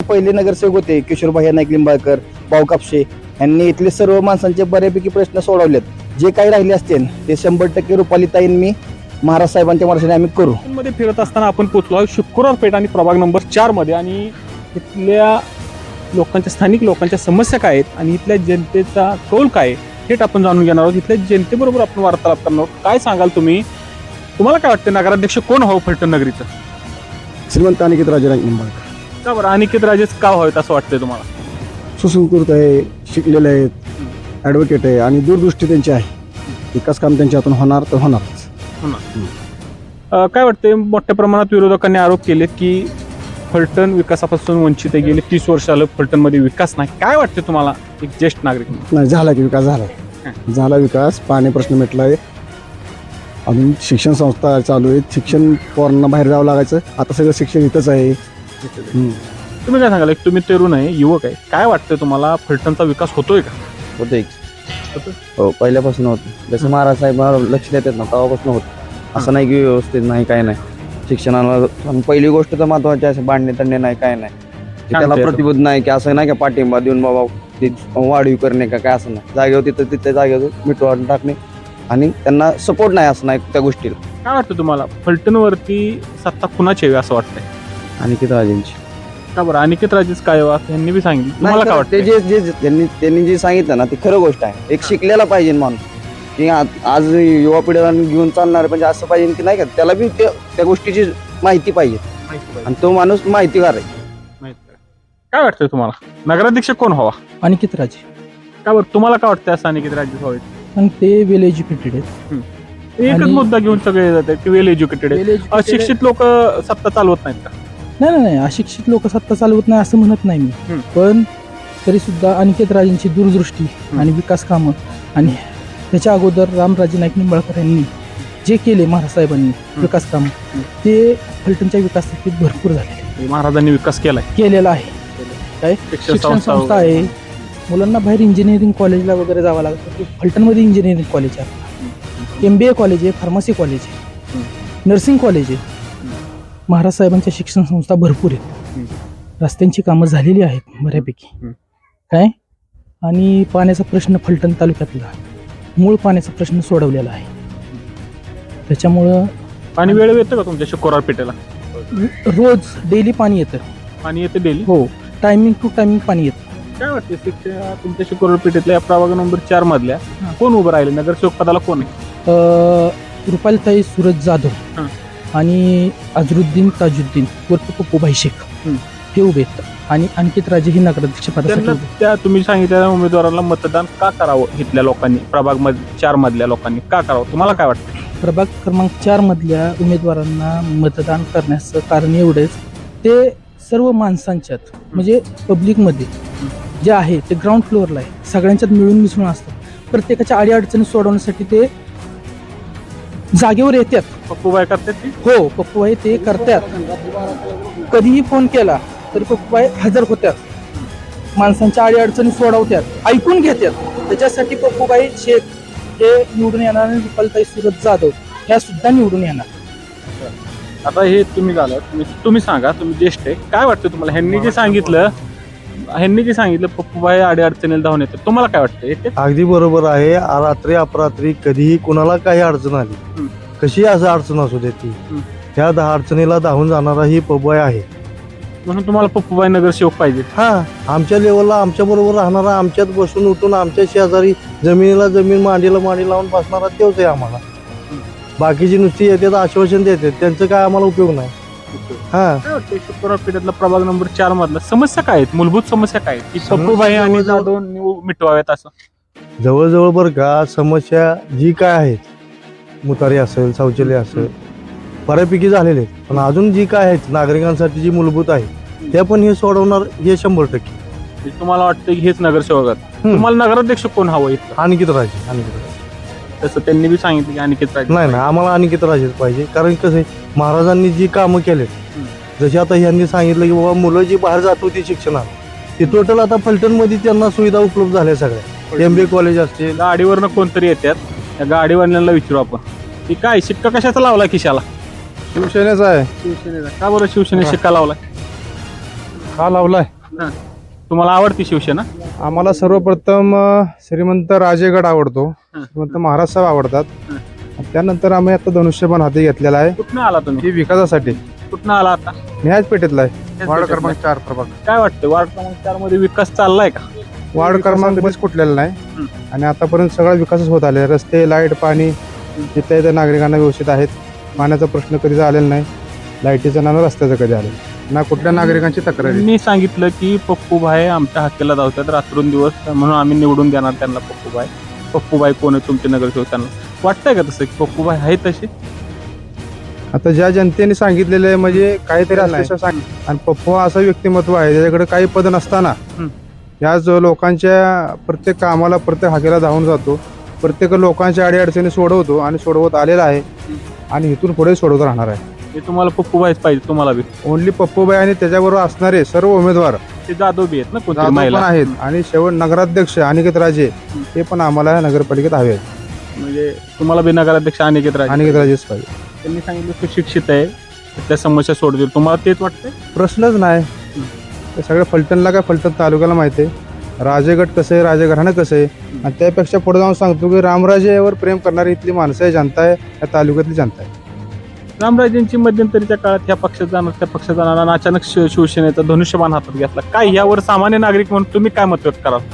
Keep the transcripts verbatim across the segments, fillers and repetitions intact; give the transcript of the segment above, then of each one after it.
पहिले नगरसेवक होते किशोरभाई नाईक लिंबाळकर, भाऊ कापशे यांनी इथले सर्व माणसांचे बऱ्यापैकी प्रश्न सोडवलेत. जे काही राहिले असतील ते शंभर टक्के रुपालीताईन मी महाराज साहेबांच्या मार्फत आम्ही करू. मध्ये फिरत असताना आपण पोहोचलो आहे शुक्रवार पेठ आणि प्रभाग नंबर चार मध्ये आणि इथल्या लोकांच्या स्थानिक लोकांच्या समस्या काय आहेत आणि इथल्या जनतेचा कौल काय आहे थेट आपण जाणून घेणार आहोत. इथल्या जनतेबरोबर आपण वार्तालाप करणार आहोत. काय सांगाल तुम्ही, तुम्हाला काय वाटतं नगराध्यक्ष कोण हवं फलटण नगरीचं? श्रीमंत अनिकेत राजे नाईक निंबाळकर. का बरं अनिकेत राजेच का व्हावेत असं वाटतंय तुम्हाला? सुसंस्कृत आहे, शिकलेले आहेत, ॲडव्होकेट आहे आणि दूरदृष्टी त्यांची आहे. विकास काम त्यांच्या हातून होणार तर होणारच. अं, काय वाटतंय, मोठ्या प्रमाणात विरोधकांनी आरोप केले की फलटण विकासापासून वंचित आहे. गेले तीस वर्ष आलं फलटणमध्ये विकास नाही. काय वाटतं तुम्हाला एक ज्येष्ठ नागरिक? नाही, झाला की विकास झाला आहे. झाला विकास, पाणी प्रश्न मिटला आहे. अजून शिक्षण संस्था चालू आहेत. शिक्षण पोरांना बाहेर जावं लागायचं, आता सगळं शिक्षण इथंच आहे. तुम्ही काय सांगाल, एक तुम्ही तरुण आहे, युवक आहे, काय वाटतं तुम्हाला फलटणचा विकास होतोय का? होतोय हो, पहिल्यापासून होतं. जसं महाराज साहेब लक्ष देतात ना तेव्हापासून होतं. असं नाही की व्यवस्थित नाही, काय नाही. शिक्षणाला पहिली गोष्ट तर महत्वाची आहे, बांधणे तंडणे नाही, काय नाही. त्याला प्रतिबोध नाही की असं नाही का पाठिंबा देऊन बाबा ते वाढीव करणे का काय, असं नाही. जागेवर तिथं तिथे जागेवर मिटवाडून टाकणे आणि त्यांना सपोर्ट नाही, असं नाही त्या गोष्टीला. काय वाटतं तुम्हाला फलटणवरती सत्ता कुणाची यावी असं वाटतंय? अनिकेत राजेंची. का बरं अनिकेत राजेच काय व्हा यांनी बी सांगितलं, तुम्हाला काय वाटतं? ते जे जे त्यांनी त्यांनी जे सांगितलं ना ते खरं गोष्ट आहे. एक शिकलेला पाहिजे माणूस की आज युवा पिढीला घेऊन चालणार, म्हणजे असं पाहिजे की नाही का त्याला बी त्या गोष्टीची माहिती पाहिजे आणि तो माणूस माहितीगार आहे. काय वाटतंय तुम्हाला नगराध्यक्ष कोण हवा? अनिकेत राजे. का बरं तुम्हाला काय वाटतं असं अनिकेत राजे व्हावेत? आणि ते वेल एज्युकेटेड आहेत. एकच आणि- मुद्दा घेऊन सगळे जातात की वेल एज्युकेटेड Well educated- अशिक्षित लोक सत्ता चालवत नाहीत का? नाही नाही नाही अशिक्षित लोक सत्ता चालवत नाही असं म्हणत नाही मी. हम्म. पण तरी सुद्धा अनिकेत राजेंची दूरदृष्टी आणि विकास कामं आणि त्याच्या अगोदर रामराजे नाईक निंबाळकर यांनी जे केले महाराज साहेबांनी विकास कामं ते फलटणच्या विकासासाठी भरपूर झालेले महाराजांनी विकास केलाय, केलेला आहे. काय शिक्षण संस्था आहे, मुलांना बाहेर इंजिनिअरिंग कॉलेजला वगैरे जावं लागतं. फलटणमध्ये इंजिनिअरिंग कॉलेज आहे, एम बी ए कॉलेज आहे, फार्मसी कॉलेज आहे, नर्सिंग कॉलेज आहे. महाराज साहेबांच्या शिक्षण संस्था भरपूर आहेत. रस्त्यांची कामं झालेली आहेत बऱ्यापैकी. काय आणि पाण्याचा प्रश्न फलटण तालुक्यातला मूळ पाण्याचा प्रश्न सोडवलेला आहे. त्याच्यामुळं पाणी वेळ येतं का तुमच्या शुक्रवार पेठेला? रोज डेली पाणी येतं. पाणी येतं डेली? हो, टायमिंग टू टायमिंग पाणी येतं. काय वाटते शिक्षण तुमच्या शुक्रवार पेठेतल्या या प्रभाग नंबर चार मधल्या कोण उभं राहिले नगरसेवक पदाला? कोण आहे? अ, रुपालीताई सूरज जाधव हां. आणि अझरुद्दीन ताजुद्दीन उर्फ पप्पूभाई शेख हं. हे उभे आहेत आणि अंकित राजे ही नगराध्यक्ष पदासाठी त्यांना उभे. त्या तुम्ही सांगितलेल्या उमेदवाराला मतदान का करावं? इथल्या लोकांनी प्रभाग मध्ये चार मधल्या लोकांनी का करावं तुम्हाला काय वाटतं? प्रभाग क्रमांक चार मधल्या उमेदवारांना मतदान करण्याचं कारण एवढंच, ते सर्व माणसांच्यात म्हणजे पब्लिकमध्ये जे आहे ते ग्राउंड फ्लोअरला आहे, सगळ्यांच्यात मिळून मिसळून असतात. प्रत्येकाच्या अडीअडचणी सोडवण्यासाठी ते जागेवर येतात. पप्पूबाई करतात ती? हो, पप्पूबाई ते करतात. कधीही फोन केला तरी पप्पूबाई हजर होत्यात, माणसांच्या अडीअडचणी सोडवतात, ऐकून घेतात. त्याच्यासाठी पप्पूबाई शेख हे निवडून येणार आणि रुपालीताई सूरज जाधव ह्या सुद्धा निवडून येणार. आता हे तुम्ही झालं, तुम्ही तुम्ही सांगा, तुम्ही ज्येष्ठ आहे, काय वाटतं तुम्हाला? ह्यांनी जे सांगितलं ह्यांनी जे सांगितलं पप्पूबाई अडीअडचणीला धावून येतात, तुम्हाला काय वाटतं? येते? अगदी बरोबर आहे. आ- रात्री अपरात्री कधीही कुणाला काही अडचण आली, हं. कशी असं अडचण असू दे ती, हं. त्या दहा अडचणीला धावून जाणारा ही पबॉय आहे. म्हणून तुम्हाला पप्पूबाई नगरसेवक पाहिजे? हा, आमच्या लेवलला आमच्या बरोबर राहणारा, आमच्यात बसून उठून आमच्या शेजारी जमिनीला जमीन मांडीला मांडी लावून बसणारा तोच आहे आम्हाला. बाकीची नुसती येतात आश्वासन देतात, त्यांचं काय आम्हाला उपयोग नाही. हा, काय वाटतं शुक्रवार पेठेतला प्रभाग नंबर चार मधला समस्या काय आहेत? मूलभूत समस्या काय आहेत की पप्पूबाई आणि जवळजवळ- जाधव निव- मिटवाव्यात असं? जवळजवळ बरं का, समस्या जी काय आहेत, मुतारी असेल, शौचालय असेल, बऱ्यापैकी झालेले आहेत. पण अजून जी काय आहेत नागरिकांसाठी जी मूलभूत आहे त्या पण हे सोडवणार हे शंभर टक्के. म्हणजे तुम्हाला वाटतं की हेच नगरसेवक आहेत? हं. तुम्हाला नगराध्यक्ष कोण हवं इथं? अनिकेत राजे. अनिकेत राजे तसं त्यांनी बी सांगितलं की अनिकेत राजे. नाही ना, आम्हाला अनिकेत राजेच पाहिजे. कारण कसं आहे, महाराजांनी जी कामं केलेत, जशी आता ह्यांनी सांगितलं की बाबा मुलं जी बाहेर जात होती शिक्षणाला, ती टोटल आता फलटण मध्ये त्यांना सुविधा उपलब्ध झाल्या सगळ्या. एम बी ए कॉलेज असतील. गाडीवरनं कोणतरी येतात, त्या गाडीवाल्यांना विचारू आपण की काय शिक्का कशाचा लावला खिशाला? शिवसेनेचा आहे. शिवसेनेचा. का बरं शिवसेने शिक्का लावलाय? का लावलाय? तुम्हाला आवडती शिवसेना? आम्हाला सर्वप्रथम अ, श्रीमंत राजेगड आवडतो, हं. श्रीमंत महाराज साहेब आवडतात. हं. आणि त्यानंतर आम्ही आता धनुष्यबाण हाती घेतलेला आहे, कुठनं आला तुम्ही? ही विकासासाठी. कुठनं आला आता? न्याज पेठेतला आहे, वार्ड पेठेतला. क्रमांक चार प्रभाग. काय वाटतं वार्ड क्रमांक चार मध्ये विकास चाललाय का? वार्ड क्रमांक बस कुठलेला नाही हं. आणि आतापर्यंत सगळा विकासच होत आले. रस्ते, लाईट, पाणी इथल्या इथं नागरिकांना व्यवस्थित आहेत. पाण्याचा प्रश्न कधीच आलेला नाही, लाईटीचा ना रस्त्याचा कधी आलेला ना, कुठल्या नागरिकांची तक्रार आहे. मी सांगितलं की पप्पूभाई आमच्या हाकेला धावतात रात्रंदिवस, म्हणून आम्ही निवडून देणार त्यांना पप्पूभाई. पप्पूभाई कोण आहे तुमचे नगरसेवक? त्यांना वाटतंय का तसं की पप्पूभाई आहे तसे? आता ज्या जनतेने सांगितलेलं आहे म्हणजे काहीतरी असल्याशिवाय सांग. आणि पप्पू हा असं व्यक्तिमत्व आहे त्याच्याकडे काही पद नसताना हं. या जो लोकांच्या प्रत्येक कामाला, प्रत्येक हाकेला धावून जातो, प्रत्येक लोकांच्या अडीअडचणी सोडवतो आणि सोडवत आलेला आहे आणि इथून पुढे सोडवत राहणार आहे. हे तुम्हाला पप्पूभाईच पाहिजे तुम्हाला बी? ओनली पप्पूबाई आणि त्याच्याबरोबर असणारे सर्व उमेदवार ते जाधव बी आहेत ना कोणतरी जाधव पण महिला? आहेत आणि शेवट नगराध्यक्ष अनिकेत राजे ते पण आम्हाला नगरपालिकेत हवे आहेत. म्हणजे तुम्हाला बी नगराध्यक्ष अनिकेत राजे अनिकेत राजेच पाहिजे. त्यांनी सांगितलं सुशिक्षित आहे, त्या समस्या सोडतील. तुम्हाला तेच वाटतंय? प्रश्नच नाही. ते सगळं फलटणला काय फलटण तालुक्याला माहिती आहे, राजेगड कसं आहे, राजेघराणं कसं आहे. आणि त्यापेक्षा पुढे जाऊन सांगतो की रामराजेवर प्रेम करणारी इथली माणसं आहे, जनता आहे, या तालुक्यातली जनता आहे. रामराजेंची मध्यंतरीच्या काळात ह्या पक्षात जाणार त्या पक्षात जाणार आणि अचानक शिव- शिवसेनेचा धनुष्यबाण हातात घेतला. काय यावर सामान्य नागरिक म्हणून तुम्ही काय मत व्यक्त कराल?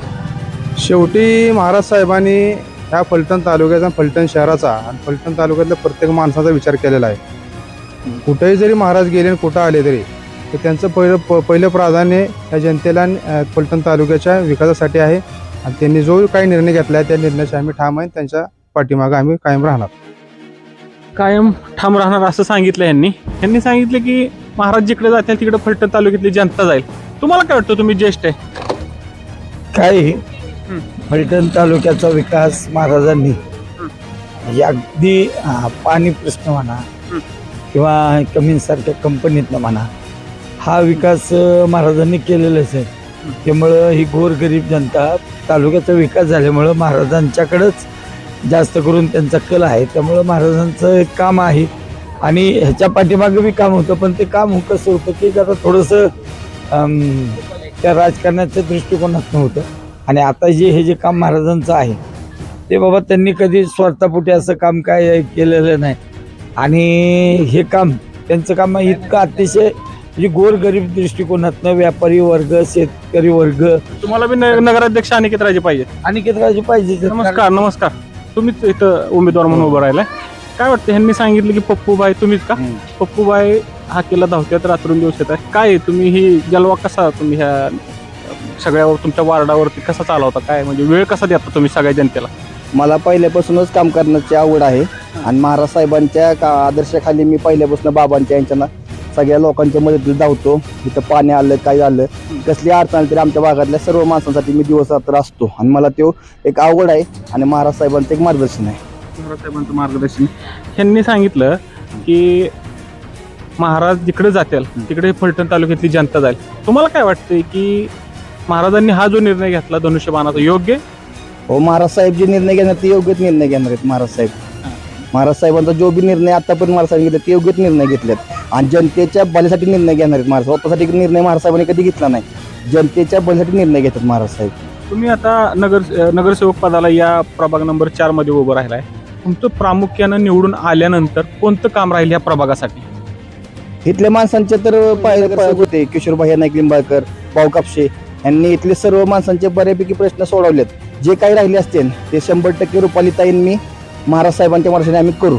शेवटी महाराज साहेबांनी ह्या फलटण तालुक्याचा, फलटण शहराचा आणि फलटण तालुक्यातल्या प्रत्येक माणसाचा विचार केलेला आहे. कुठेही जरी महाराज गेले आणि कुठं आले तरी तर त्यांचं पहिलं प- पहिलं प्राधान्य या जनतेला आणि, अ, फलटण तालुक्याच्या विकासासाठी आहे. आणि त्यांनी जो काही निर्णय घेतला आहे त्या निर्णयाचे आम्ही ठाम आहे, त्यांच्या पाठीमागं आम्ही कायम राहणार. कायम ठाम राहणार असं सांगितलं यांनी. यांनी सांगितलं की महाराज जिकडे जातील तिकडे फलटण तालुक्यातली जनता जाईल. तुम्हाला काय वाटतं? तुम्ही ज्येष्ठ आहे. काही फलटण तालुक्याचा विकास महाराजांनी म्हणजे अगदी अं, पाणी प्रश्न म्हणा किंवा कमींसारख्या कंपनीतनं म्हणा, हा विकास अं, महाराजांनी केलेलाच आहे. त्यामुळं ही गोरगरीब जनता, तालुक्याचा विकास झाल्यामुळं महाराजांच्याकडंच जास्त करून त्यांचा कल आहे. त्यामुळं महाराजांचं एक काम आहे आणि ह्याच्या पाठीमागं बी काम होतं, पण ते काम कसं होतं की जरा थोडंसं अं, त्या राजकारणाच्या दृष्टिकोनात नव्हतं. आणि आता जे हे जे काम महाराजांचं आहे ते बाबा त्यांनी कधी स्वार्थापोटी असं काम काय केलेलं नाही. आणि हे काम त्यांचं काम इतकं अतिशय म्हणजे गोरगरीब दृष्टिकोनातनं व्यापारी वर्ग, शेतकरी वर्ग तुम्हाला बी न- नगराध्यक्ष अनिकेत राजे पाहिजे? अनिकेत राजे पाहिजे. नमस्कार. नमस्कार. तुम्हीच इथं उमेदवार म्हणून उभं राहिलाय. काय वाटतं? ह्यांनी सांगितलं की पप्पूभाई तुम्हीच का? पप्पूभाई हा केला धावत्यात रात्रंदिवस येत आहे. काय तुम्ही ही जलवा कसा तुम्ही ह्या सगळ्यावर तुमच्या वार्डावरती कसा चालवता? काय म्हणजे वेळ कसा देता तुम्ही सगळ्या जनतेला? मला पहिल्यापासूनच काम करण्याची आवड आहे आणि महाराज साहेबांच्या का आदर्शाखाली मी पहिल्यापासून बाबांच्या यांच्या सगळ्या लोकांच्या मदतीला धावतो. इथं पाणी आलं, काय आलं, कसली अडचण आली तरी आमच्या भागातल्या सर्व माणसांसाठी मी दिवस रात्र असतो आणि मला तो एक आवड आहे आणि महाराज साहेबांचं एक मार्गदर्शन आहे. महाराज साहेबांचं मार्गदर्शन. ह्यांनी सांगितलं की महाराज जिकडे जातील तिकडे फलटण तालुक्यातली जनता जाईल. तुम्हाला काय वाटतंय की महाराजांनी हा जो निर्णय घेतला धनुष्यबाणाचा योग्य? हो, महाराज साहेब जे निर्णय घेणार ते योग्यच निर्णय घेणार आहेत. महाराज साहेब महाराज साहेबांचा जो बी निर्णय आतापर्यंत महाराज साहेब घेतला ते योग्यच निर्णय घेतलेत आणि जनतेच्या भल्यासाठी निर्णय घेणार आहेत. महाराज स्वतःसाठी निर्णय महाराज साहेबांनी कधी घेतला नाही, जनतेच्या भल्यासाठी निर्णय घेतात महाराज साहेब. तुम्ही आता नगर नगरसेवक पदाला या प्रभाग नंबर चार मध्ये उभं राहिलाय. तुमचं प्रामुख्यानं निवडून आल्यानंतर कोणतं काम राहील या प्रभागासाठी? इथल्या माणसांचे तर पाय पाय होते किशोरभाई नाईक लिंबाळकर, भाऊ कापशे यांनी इथले सर्व माणसांचे बऱ्यापैकी प्रश्न सोडवलेत. जे काही राहिले असतील ते शंभर टक्के रुपालीताईन मी महाराज साहेबांच्या मार्गाने आम्ही करू.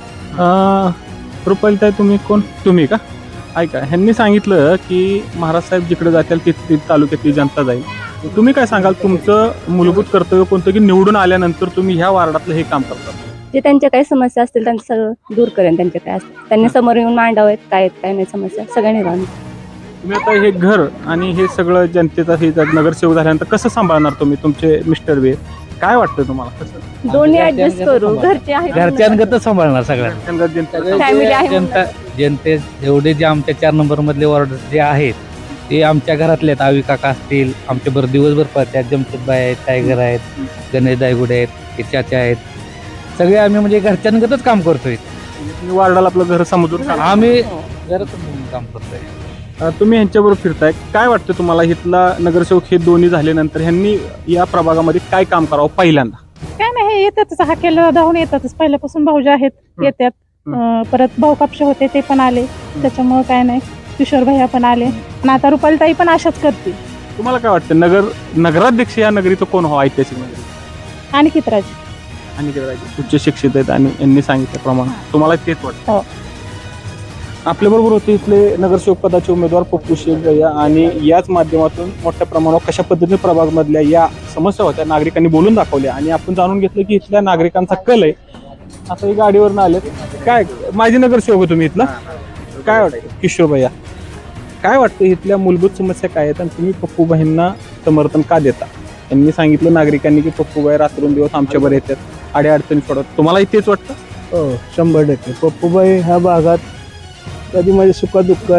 रुपालीताई तुम्ही कोण? तुम्ही का? ऐका, ह्यांनी सांगितलं की महाराज साहेब जिकडे जातील तिथे तालुक्यातली जनता जाईल. तुम्ही काय सांगाल? तुमचं मूलभूत कर्तव्य कोणतं की निवडून आल्यानंतर तुम्ही ह्या वार्डातलं हे काम करता? जे त्यांच्या काही समस्या असतील त्यांचं सगळं दूर करेन. त्यांच्या काय असतील त्यांनी समोर येऊन मांडावेत, काय आहेत काय नाही समस्या सगळ्या निवारण. तुम्ही आता हे घर आणि हे सगळं जनतेचं हे जर नगरसेवक झाल्यानंतर कसं सांभाळणार तुम्ही? तुमचे मिस्टर बी काय वाटतं तुम्हाला? कसं दोन्ही ऍडजस्ट करू. घरचे आहेत, घरच्यांगतच सांभाळणार सगळ्यांना. फॅमिली आहे जनता म्हणून. जनते जेवढे जे आमच्या चार नंबर मधले वॉर्ड जे आहेत ते आमच्या घरातले आहेत. आवी काका असतील, आमच्या बरं दिवसभर पळतात. जमशेदबाई आहेत, टायगर आहेत, गणेश दायगुडे आहेत, हे चाचा आहेत. सगळे आम्ही म्हणजे घरच्यांगतच काम करतोय. तुम्ही वार्डाला आपलं घर समजून आम्ही घरातून काम करतोय. अ, तुम्ही ह्यांच्याबरोबर फिरताय, काय वाटतं तुम्हाला इथला नगरसेवक हे दोन्ही झाल्यानंतर ह्यांनी या प्रभागामध्ये काय काम करावं पहिल्यांदा? काय नाही हे येतातच हाकेला धावून येतातच पहिल्यापासून भाऊजी आहेत येतात. अं, परत भाऊ कापशे होते ते पण आले त्याच्यामुळे काय नाही किशोर भैया पण आले आणि आता रुपाली ताई पण अशाच करतील. तुम्हाला काय वाटतं नगर नगराध्यक्ष या नगरीचं कोण व्हावं ऐतिहासिक नगरी? आणि कितराज आणि ते राजे उच्च शिक्षित आहेत आणि यांनी सांगितल्याप्रमाणे तुम्हाला तेच वाटतं? हो. आपल्याबरोबर होते इथले नगरसेवक पदाचे उमेदवार पप्पू शेख गया आणि याच माध्यमातून मोठ्या प्रमाणावर कशा पद्धतीने प्रभागमधल्या या समस्या होत्या नागरिकांनी बोलून दाखवल्या आणि आपण जाणून घेतलं की इथल्या नागरिकांचा कल आहे. आता हे गाडीवरनं आले काय माझी नगरसेवक आहे तुम्ही इथला, काय वाटतं किशोर भैया काय वाटतं इथल्या मूलभूत समस्या काय आहेत आणि तुम्ही पप्पूबाईंना समर्थन का देता? त्यांनी सांगितलं नागरिकांनी की पप्पूबाई रात्रंदिवस आमच्यावर येतात, अडीअडचणी सोडत, तुम्हाला तेच वाटतं? हो शंभर टक्के पप्पूबाई ह्या भागात कधी माझ्या सुखादुःखात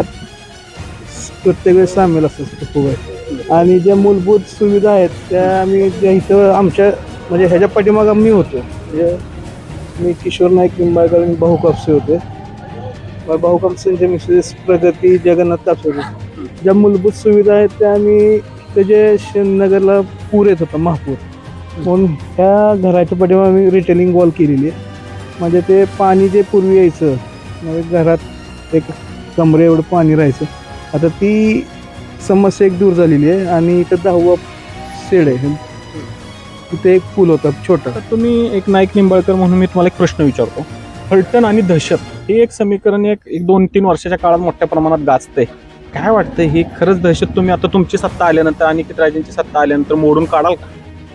प्रत्येक वेळेस सामील असतात पप्पूबाई. आणि ज्या मूलभूत सुविधा आहेत त्या आम्ही ज्या इथं आमच्या म्हणजे ह्याच्या पाठीमागं मी होतो म्हणजे मी किशोर नाईक निंबाळकर आणि भाऊ कापसे होते. भाऊ कापसेंच्या मिसेस प्रगती जगन्नाथ कापसे होते. ज्या मूलभूत सुविधा आहेत त्या आम्ही त्याचे नगरला पूर येत होता महापूर म्हणून ह्या घराच्या पाठीमागे आम्ही रिटेलिंग वॉल केलेली आहे. म्हणजे ते पाणी जे पूर्वी यायचं म्हणजे घरात एक कमरे एवढं पाणी राहायचं आता ती समस्या एक दूर झालेली आहे. आणि इथं दहावा शेड आहे तिथे एक पूल होता छोटा. तर तुम्ही एक नाईक निंबाळकर म्हणून मी तुम्हाला एक प्रश्न विचारतो. फलटण आणि दहशत हे एक समीकरण एक एक दोन तीन वर्षाच्या काळात मोठ्या प्रमाणात गाजतंय, काय वाटतं ही खरंच दहशत तुम्ही आता तुमची सत्ता आल्यानंतर आणि राजांची सत्ता आल्यानंतर मोडून काढाल का?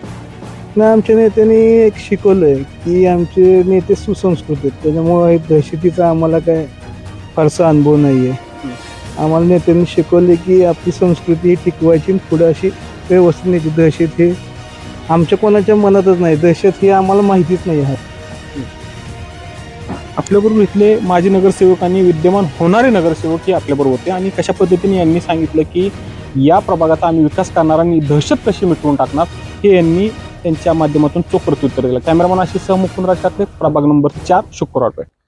ना आमच्या नेत्यांनी एक शिकवलं आहे की आमचे नेते सुसंस्कृत आहेत त्याच्यामुळे दहशतीचा आम्हाला काय फारसा अनुभव नाही आहे. आम्हाला नेत्यांनी शिकवले की आपली संस्कृती ही टिकवायची पुढे अशी व्यवस्थित न्यायची. दहशत हे आमच्या कोणाच्या मनातच नाही, दहशत ही आम्हाला माहितीच नाही आहे. आपल्याबरोबर इथले माजी नगरसेवक आणि विद्यमान होणारे नगरसेवक हे आपल्याबरोबर होते आणि कशा पद्धतीने यांनी सांगितलं की या प्रभागाचा आम्ही विकास करणार आणि दहशत कशी मिटवून टाकणार हे यांनी त्यांच्या माध्यमातून चोख प्रत्युत्तर दिलं. कॅमेरामन आशिष सह मुकुंद राज ठाकरे, प्रभाग नंबर चार, शुक्रवार पेठ.